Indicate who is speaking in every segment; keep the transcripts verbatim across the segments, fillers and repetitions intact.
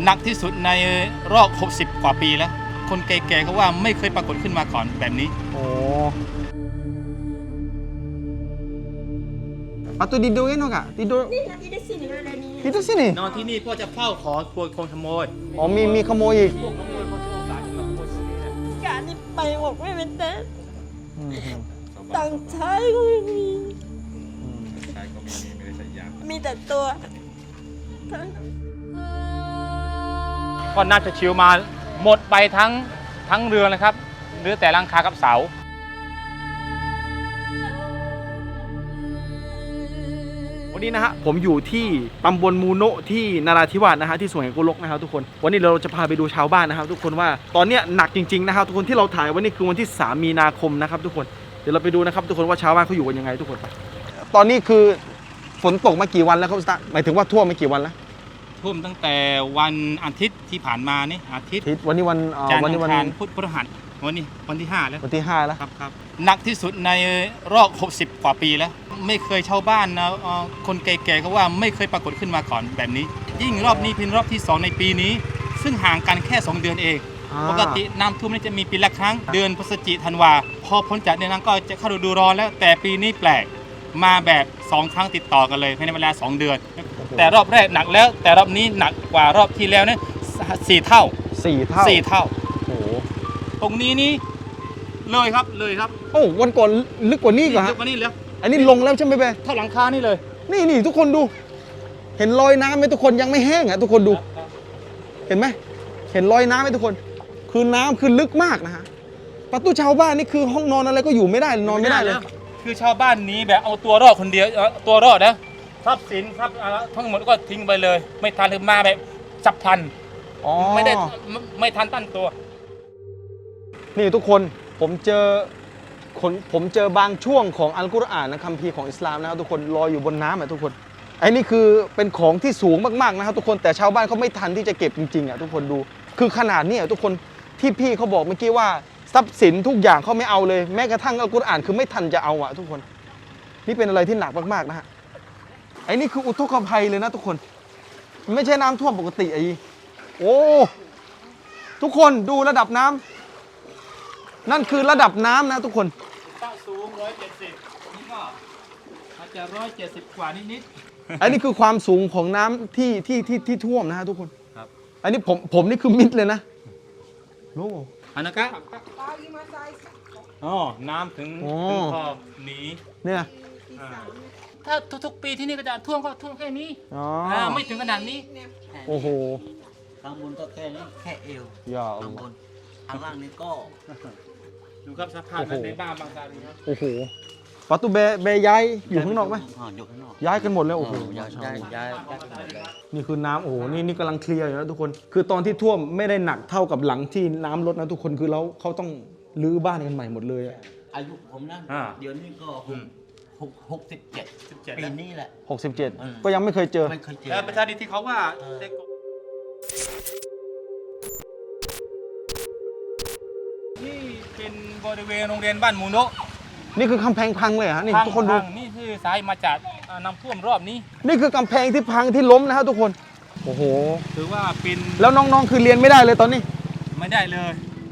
Speaker 1: หนักที่สุดในรอบหกสิบกว่าปีแล้วคนแก่ๆเขาว่าไม่เคยปรากฏขึ้นมาก่อนแบบนี้
Speaker 2: โอ้Patut tidur kan kak? Tidur
Speaker 3: Ni nak tidur sini ada ni.
Speaker 2: Tidur sini?
Speaker 1: นอนที่นี่เพื่อจะเฝ้าขอครัวคนขโมย
Speaker 2: อ๋อมีมีขโมยอีก
Speaker 1: พวกขโมยเขาถือโอกาสจะมาขโมยที่นี่นะ
Speaker 3: Kak ni ไปบอกไม่เป็นแต่
Speaker 2: อืมอืม
Speaker 3: ตังค์ใช้ก็ไม่มี
Speaker 2: อืม
Speaker 1: ใช่ก็ไม่มีไม่ได้ใช้ยา
Speaker 3: มีแต่ตัวทั้ง
Speaker 1: ก็น่าจะชิวมาหมดไปทั้งทั้งเรือนะครับหรือแต่หลังคากับเสา
Speaker 2: วันนี้นะฮะผมอยู่ที่ตำบลมูโนะที่นราธิวาสนะฮะที่สวนแห่งกุลกนะครับทุกคนวันนี้เราจะพาไปดูชาวบ้านนะครับทุกคนว่าตอนเนี้ยหนักจริงๆนะครับทุกคนที่เราถ่ายวันนี้คือวันที่สามมีนาคมนะครับทุกคนเดี๋ยวเราไปดูนะครับทุกคนว่าชาวบ้านเขาอยู่กันยังไงทุกคนไปตอนนี้คือฝนตกมากี่วันแล้วครับสตาร์หมายถึงว่าท่วมมากี่วันแล้ว
Speaker 1: ท่วมตั้งแต่วันอาทิตย์ที่ผ่านมานี่อาทิตย์
Speaker 2: ทิศวันนี้วันเอ่อ
Speaker 1: จันทร์
Speaker 2: วัน
Speaker 1: อั
Speaker 2: นี้
Speaker 1: ง
Speaker 2: วัน
Speaker 1: คารพุธพฤหัสวันนี้วันที่ห้าแล้ว
Speaker 2: วันที่ห้าแล้ว
Speaker 1: ครับครับหนักที่สุดในรอบหกสิบกว่าปีแล้วไม่เคยชาวบ้านนะเอ่อคนแก่ๆเขาว่าไม่เคยปรากฏขึ้นมาก่อนแบบนี้ ยิ่งรอบนี้เป็นรอบที่สองในปีนี้ ซึ่งห่างกันแค่สองเดือนเอง
Speaker 2: อ่า
Speaker 1: ปกติน้ำท่วมนี่จะมีปีละครั้งเดือนพฤศจิกธันวาพอพ้นจากเดือนนั้นก็จะเข้าฤดูร้อนแล้วแต่ปีนี้แปลกมาแบบสองครั้งติดต่อกันเลยภายในเวลาสองเดือน แต่รอบแรกหนักแล้วแต่รอบนี้หนักกว่ารอบที่แล้วเนี่ยสี่เท่า
Speaker 2: สี่เท่า
Speaker 1: สี่เท่า
Speaker 2: โอ้โห
Speaker 1: ตรงนี้นี่เลยครับเลยครับ
Speaker 2: โอ้วันก่อนลึกกว่านี้อีก่อน
Speaker 1: ลึ
Speaker 2: ฮะ
Speaker 1: กกว่านี้แล้ว
Speaker 2: อันนี้ลงแล้วใช่ไหมเป้
Speaker 1: เท่าหลังคานี่เลย
Speaker 2: นี่นี่ทุกคนดู เห็นรอยน้ำไหมทุกคนยังไม่แห้งอ่ะทุกคนดู เห็นไหมเห็นรอยน้ำไหมทุกคน คือน้ำคือลึกมากนะฮะประตูชาวบ้านนี่คือห้องนอนอะไรก็อยู่ไม่ได้นอนไม่ได้เลย
Speaker 1: คือชาวบ้านหนี้แบบเอาตัวรอดคนเดียวเอาตัวรอดนะทรัพย์สินทรัพย์อะไรทั้งหมดก็ทิ้งไปเลย ไม่ทันหรือมาแบบจับพลัน
Speaker 2: อ๋อ
Speaker 1: ไม่ได้ไม่ไม่ทันตั้งตัว
Speaker 2: นี่ทุกคนผมเจอคนผมเจอบางช่วงของอัลกุรอานนะคัมภีร์ของอิสลามนะครับทุกคนลอยอยู่บนน้ำอ่ะทุกคนไอ้นี่คือเป็นของที่สูงมากๆนะครับทุกคนแต่ชาวบ้านเขาไม่ทันที่จะเก็บจริงๆอ่ะทุกคนดู คือขนาดนี้อ่ะทุกคนที่พี่เขาบอกเมื่อกี้ว่าทรัพย์สินทุกอย่างเขาไม่เอาเลยแม้กระทั่งอัลกุรอานคือไม่ทันจะเอาอ่ะทุกคน นี่เป็นอะไรที่หนักมากๆนะฮะไอ้นี่คืออุทกภัยเลยนะทุกคนไม่ใช่น้ำท่วมปกติไอ้โอ้ทุกคนดูระดับน้ำนั่นคือระดับน้ำนะทุกคน
Speaker 1: ตั้งสูงร้อยเจ็ดสิบนี่ก็อาจจะร้อยเจ็ดสิบกว่านิด
Speaker 2: อันนี้คือความสูงของน้ำที่ที่ที่ที่ท่วมนะฮะทุกคน
Speaker 1: ๆครับ
Speaker 2: อันนี้ผมผมนี่คือมิดเลยนะโอ้
Speaker 1: อันนั้นก็อ๋อน้ำถึงถึงขอบหนี
Speaker 2: เนี่ย
Speaker 1: ถ้าทุกๆปีที่นี่ก็จะท่วมก็ท่วมแค่นี้
Speaker 2: อ๋อ
Speaker 1: อ่าไม่ถึงขนาดนี้
Speaker 2: โอ้โห
Speaker 4: ข้างบนก็แค่นี้แค่เอว
Speaker 2: อย่า
Speaker 4: ข้างบนข้างล่างนี่ก็
Speaker 1: ดูครับสภาพในบ้านบางตาดีครับ
Speaker 2: โอ้โหประตูเบเบย้ายอยู่ข้างนอกไหม
Speaker 4: อ่าอยู่ข้างนอก
Speaker 2: ย้ายกันหมดแล้วโอ้โห
Speaker 4: ย้ายย้ายย้ายย้ายไปหมดเลย
Speaker 2: นี่คือน้ำโอ้โหนี่นี่กำลังเคลียร์อยู่นะทุกคน คือตอนที่ท่วมไม่ได้หนักเท่ากับหลังที่น้ำลดนะทุกคนคือแล้วเขาต้องรื้อบ้านกันใหม่หมดเลยอะ
Speaker 4: อายุผมนะเดี๋ยวนี้ก็หกหกหกสิบเจ็ดปีนี้แหละ
Speaker 2: หกสิบเจ็ด
Speaker 4: อืม
Speaker 2: ก็ยังไม่เคยเจอ
Speaker 4: ไม่เคยเจอ
Speaker 1: แล้วประชาธิที่เขาว่าได้กนี่เป็นบริเวณโรงเรียนบ้านมูโนะ
Speaker 2: นี่คือกำแพงพังเลยเหรอฮะนี่ทุกคนดู
Speaker 1: พังๆนี่คือสายมาจากอ่าน้ำท่วมรอบนี้
Speaker 2: นี่คือกำแพงที่พังที่ล้มนะครับทุกคน โอ้โห
Speaker 1: ถือว่าเป็น
Speaker 2: แล้วน้องๆคือเรียนไม่ได้เลยตอนนี้
Speaker 1: ไม่ได้เลย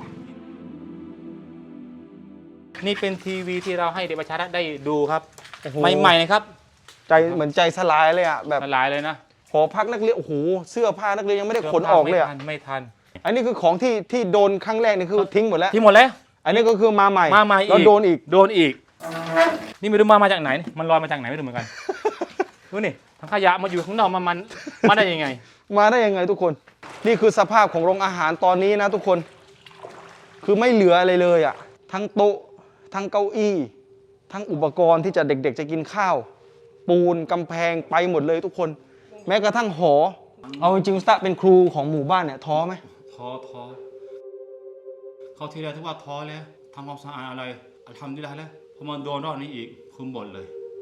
Speaker 1: นี่เป็นทีวีที่เราให้เด็กประชาชนได้ดูครับ
Speaker 2: โอ้โห
Speaker 1: ใหม่ๆนะครับ
Speaker 2: ใจเหมือนใจสลายเลยอ่ะแบบ
Speaker 1: ละลายเลยนะ
Speaker 2: หอพักนักเรียนโอ้โหเสื้อผ้านักเรียนยังไม่ได้ขนออกเลยอ่ะ
Speaker 1: ไม่ทันไม่ทัน
Speaker 2: อันนี้คือของที่ที่โดนครั้งแรกนี่คือทิ้งหมดแล้ว
Speaker 1: ที่หมดแล้ว
Speaker 2: อันนี้ก็คือมาใหม่
Speaker 1: มาใหม่อีก
Speaker 2: แล้วโดนอีก
Speaker 1: โดนอีก นี่ไม่รู้มามาจากไหน มันลอยมาจากไหนไม่รู้เหมือนกัน ดูนี่ทั้งขยะมาอยู่ข้างนอกมันมันมาได้ยังไง
Speaker 2: มาได้ยังไงทุกคน นี่คือสภาพของโรงอาหารตอนนี้นะทุกคน คือไม่เหลืออะไรเลยอ่ะ ทั้งโต๊ะ ทั้งเก้าอี้ ทั้งอุปกรณ์ที่จะเด็กๆจะกินข้าว ปูนกำแพงไปหมดเลยทุกคน แม้กระทั่งหอ เอาจริงๆสตาเป็นครูของหมู่บ้านเนี่ยท้อไหม
Speaker 1: ท้อท้อเขาทีแรกที่ว่าท้อแล้วทำความสะอาดอะไรทำได้แล้วพอมาโดนรอบนี้อีกคือหมดเลย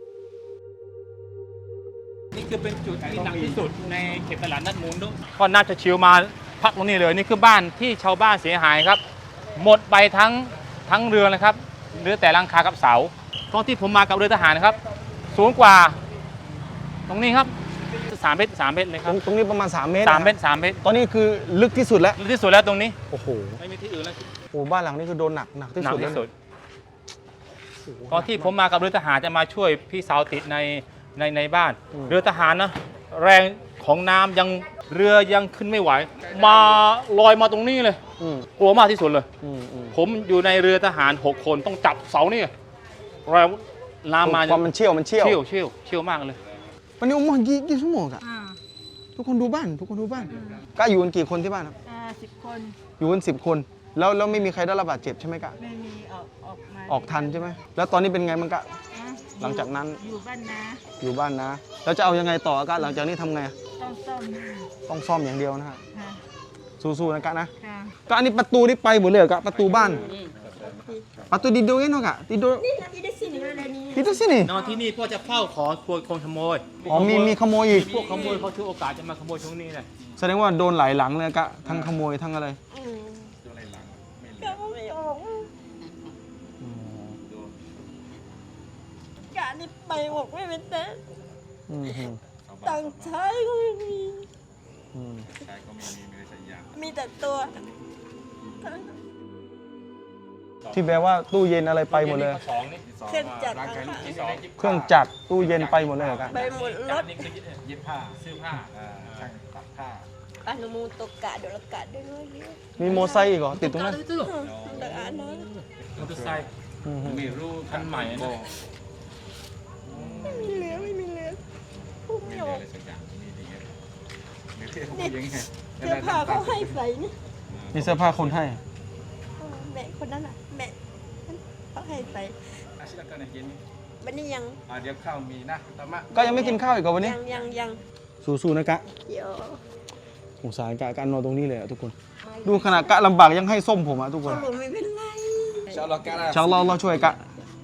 Speaker 1: นี่คือเป็นจุดที่หนักที่สุดในเขตตลาดนัดมูลก็น่าจะชิวมาพักตรงนี้เลยนี่คือบ้านที่ชาวบ้านเสียหายครับ หมดไปทั้งทั้งเรือเลยครับเหลือแต่หลังคากับเสาตอนที่ผมมากับเรือทหารนะครับ สูงกว่า ตรงนี้ครับสามเมตรสามเมตรเลยค
Speaker 2: ต
Speaker 1: รั
Speaker 2: ร
Speaker 1: บ
Speaker 2: งตรงนี้ประมาณสามเมตร
Speaker 1: สามเมต
Speaker 2: นะ
Speaker 1: รสามเมตร
Speaker 2: ตอนนี้คือลึกที่สุดแล้ว
Speaker 1: ลึกที่สุดแล้วตรงนี้
Speaker 2: โอ้โห
Speaker 1: ไม่มีที่อื่นแล้ว
Speaker 2: โอ้บ้านหลังนี้คือโดนหนักหนักที่
Speaker 1: หนัก
Speaker 2: สุด
Speaker 1: ที่สุด
Speaker 2: แล้ว
Speaker 1: ตอนที่ผมมากับเรือทหารจะมาช่วยพี่สาวติดในในในบ้าน เรือทหารนะแรงของน้ำยังเรือยังขึ้นไม่ไหว มาลอยมาตรงนี้เลย
Speaker 2: อืม
Speaker 1: กลัวมากที่สุดเลย
Speaker 2: อืมอืม
Speaker 1: ผมอยู่ในเรือทหารหกคนต้องจับเสานี่แรงน้ำมา
Speaker 2: ความมันเชี่ยวมันเชี่ยว
Speaker 1: เชี่ยวเชี่ยวเชี่ยวมากเลย
Speaker 2: วันนี้อุโมงค์กี่กี่ชั่วโมงอะ
Speaker 3: อ่า
Speaker 2: ทุกคนดูบ้านทุกคนดูบ้านก็อยู่กันกี่คนที่บ้านครับ
Speaker 3: อ่าสิบคน
Speaker 2: อยู่กันสิบคน แล้วแล้วไม่มีใครได้รับบาดเจ็บใช่ไหมกะ
Speaker 3: ไม่มีออกออกมา
Speaker 2: ออกทันใช่ไหมแล้วตอนนี้เป็นไงมันกะ
Speaker 3: นะ
Speaker 2: หลังจากนั้น
Speaker 3: อยู่บ้านนะ
Speaker 2: อยู่บ้านนะ แล้วจะเอายังไงต่อกะหลังจากนี้ทำไง
Speaker 3: ต้องซ่อม
Speaker 2: ต้องซ่อมอย่างเดียวนะฮะ
Speaker 3: ค่ะ
Speaker 2: สู้ๆนะกะนะ
Speaker 3: ค่ะ
Speaker 2: ก็อันนี้ประตูนี่ไปหมดเลยเหรอกะประตูบ้านประตูดิโดเองเนาะกะดิโด
Speaker 3: นี่นะที่ได้สินอะไรนี่
Speaker 2: ดิโดสินี่
Speaker 1: นอนที่นี่พ่อจะเฝ้าขอครัวคนขโมย
Speaker 2: อ๋อมีมีขโมยอีก
Speaker 1: พวกขโมยเขาถือโอกาสจะมาขโมยช่วงนี้เลย
Speaker 2: แสดงว่าโดนหลายหลังเลยกะทั้งขโมยทั้งอะไร
Speaker 3: อืมก็ไม่ออกกะนี่ไปบอกไม่เป็นแต่
Speaker 2: อืมอืม
Speaker 3: ตังค์ใช้ก็ไม่มี
Speaker 2: อืม
Speaker 3: มีแต่ตัว
Speaker 2: ที่แปลว่าตู้เย็นอะไรไปหมดเลย
Speaker 1: สองนี่
Speaker 3: เครื่องจักร
Speaker 1: ที่สอง
Speaker 2: เครื่องจักรตู้เย็นไปหมดเลยเหรอกะ
Speaker 3: ไปหมดรถ
Speaker 1: นี่คือเย็บผ้าซื้อผ้า
Speaker 4: ช่างตัดผ้า
Speaker 3: อนุมูตกกะเดี๋ยวละกะด้วยด้วยเยอะ
Speaker 2: มีโมอไซค์อีกเหรอติดตรงนั้น
Speaker 1: ตื้อ
Speaker 3: อืมแต่อ่านนะ
Speaker 1: มอเตอร์ไซค์
Speaker 2: อืมอืม
Speaker 4: ไม่รู้
Speaker 1: คันใหม่นะ
Speaker 3: ไม่มีเหลือไม่มีเหลือพูดไม่ออก
Speaker 4: สักอย่างมีดี
Speaker 3: นี่เสื้อผ้าเขาให้ใส่นี่
Speaker 2: มีเสื้อผ้าคนให้
Speaker 3: แม่คนนั้นอ่ะแม่เขาให้ใส่
Speaker 4: อาชีพการเย็น
Speaker 3: วันนี้ยัง
Speaker 4: เดี๋ยวข้าวมีนะตามะ
Speaker 2: ก็ยังไม่กินข้าวอีกเหรอวันนี้
Speaker 3: ยังยังยัง
Speaker 2: สู้ๆนะกะ
Speaker 3: เดี๋ยว
Speaker 2: สงสารกะกะนอนตรงนี้เลยอะทุกคน ดูขนาดกะลำบากยังให้ส้มผมอะทุกคน
Speaker 3: เขาบอกไม่เป็นไร
Speaker 4: ชาวล็อกกันนะ
Speaker 2: ชาวเราเราช่วยกะ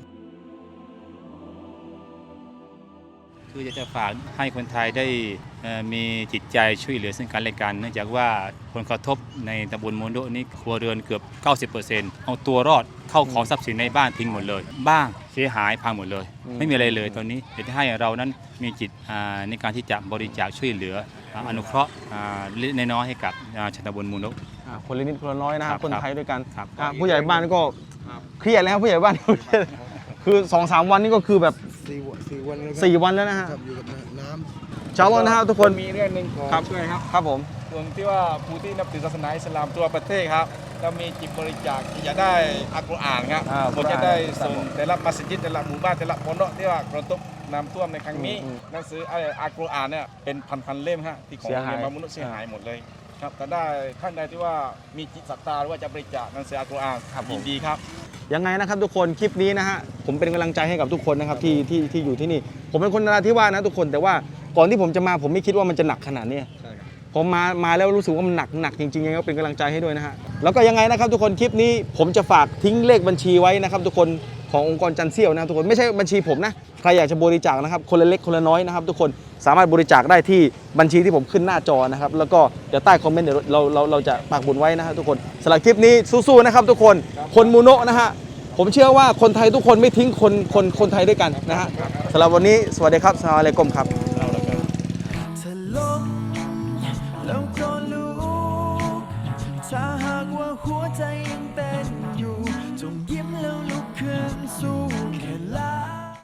Speaker 1: คือจะจะฝากให้คนไทยได้เอ่อมีจิตใจช่วยเหลือซึ่งกันและกันเนื่องจากว่าผลกระทบในตำบลโมโดนี่ครัวเรือนเกือบ เก้าสิบเปอร์เซ็นต์ เอาตัวรอดเข้าของทรัพย์สินในบ้านทิ้งหมดเลย บ้างเสียหายพังหมดเลย ไม่มีอะไรเลยตอนนี้อยากจะให้เรานั้นมีจิตอ่าในการที่จะบริจาคช่วยเหลืออ่าอนุเคราะห์อ่าเล็กๆน้อยๆให้กับอ่าชาวตำบลโมโด
Speaker 2: อ่ะคนละนิดคนละน้อยนะค
Speaker 1: ครั
Speaker 2: รับบ คนไทยด้วยกัน
Speaker 1: ครับ
Speaker 2: อ่ะผู้ใหญ่บ้านก็เครียดแล้วผู้ใหญ่บ้าน คือสองสามวันนี้ก็คือแบบ
Speaker 5: สี่วันสี่วันแล้วครับ
Speaker 2: สี่วันแล้วนะฮะ
Speaker 5: ครับอยู่กับน้
Speaker 2: ชาวเรานะฮะทุกคน
Speaker 4: มีเรื่องหนึ่งขอ
Speaker 2: ครับ
Speaker 4: ช่วยครับ
Speaker 2: ครับผม
Speaker 4: ส่วนที่ว่าผู้ที่นับถือศาสนาอิสลามตัวประเทศครับเรามีจิตบริจาคที่จะได้อัลกุรอานครับ
Speaker 2: อ่า
Speaker 4: ผมจะได้ส่งแต่ละมัสยิดแต่ละหมู่บ้านแต่ละมณฑลที่ว่ากระทบน้ำท่วมในครั้งนี้
Speaker 2: อืม
Speaker 4: หนังสืออัลกุรอานเนี่ยเป็นพันๆเล่มฮะที่ของ
Speaker 2: เสียหาย
Speaker 4: โรงเรียนบางมนุษย์เสียหายหมดเลยครับแต่ได้ท่านใดที่ว่ามีจิตศรัทธาหรือว่าจะบริจาคหนังสืออัลกุรอานยินดีครับ
Speaker 2: ยังไงนะครับทุกคนคลิปนี้นะฮะผมเป็นกำลังใจให้กับทุกคนนะครับที่ที่ที่อยู่ที่นี่ ผมเป็นคนนราธิวาสนะทุกคนแต่ว่าก่อนที่ผมจะมาผมไม่คิดว่ามันจะหนักขนาดนี้ผมมามาแล้วรู้สึกว่ามันหนักหนักจริงๆยังไงก็เป็นกำลังใจให้ด้วยนะฮะแล้วก็ยังไงนะครับทุกคนคลิปนี้ผมจะฝากทิ้งเลขบัญชีไว้นะครับทุกคนขององค์กรจันเซี่ยวนะครับทุกคนไม่ใช่บัญชีผมนะใครอยากจะบริจาคนะครับคนละเล็กคนละน้อยนะครับทุกคนสามารถบริจาคได้ที่บัญชีที่ผมขึ้นหน้าจอนะครับแล้วก็เดี๋ยวใต้คอมเมนต์เดี๋ยวเราเราเราจะปักบุญไว้นะครับทุกคนสำหรับคลิปนี้สู้ๆนะครับทุกคนคนมูโนะนะฮะผมเชื่อว่าคนไทยทุกคนไม่ทิ้งคนคนคนไทยด้วยกันนะฮะสำหรับวันนี้สวัสดีครับสลามอะลัยกุมครับ